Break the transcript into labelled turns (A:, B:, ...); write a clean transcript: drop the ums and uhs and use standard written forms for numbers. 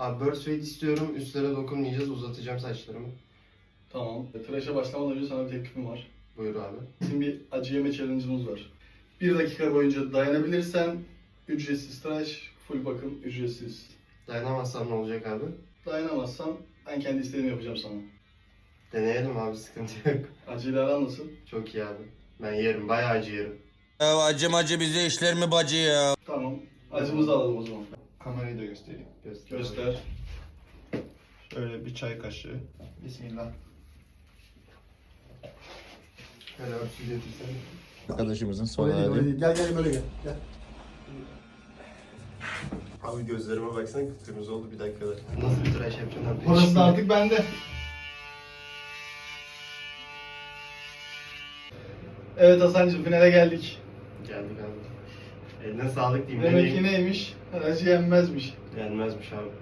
A: Abi burst fade istiyorum. Üstlere dokunmayacağız. Uzatacağım saçlarımı.
B: Tamam. Tıraşa başlamadan önce sana bir teklifim var.
A: Buyur abi.
B: Bizim bir acı yeme challenge'ımız var. 1 dakika boyunca dayanabilirsen ücretsiz tıraş, full bakım ücretsiz.
A: Dayanamazsam ne olacak abi?
B: Dayanamazsan ben kendi istediğimi yapacağım sana.
A: Deneyelim abi, sıkıntı yok.
B: Acıyla aran nasıl?
A: Çok iyi abi. Ben yerim. Bayağı acı yerim.
C: Ya acı bize işler mi bacı ya?
B: Tamam. Acımızı alalım o zaman.
D: Kamerayı da göstereyim.
B: Göster.
D: Şöyle bir çay kaşığı. Bismillah.
A: Hele örtü getirsene.
C: Arkadaşımızın son
D: Öyle değil, öyle
C: hali.
D: değil. Gel gel böyle gel. Gel.
A: Abi gözlerime baksana, kıpkırmızı oldu bir dakikada. Nasıl bir tıraş yapacağım abi?
B: Orası da artık bende. Evet Hasan'cığım, finale geldik.
A: Geldik abi. Eline sağlık diyeyim.
B: Demek ki neymiş? Acı yenmezmiş.
A: Gelmezmiş abi.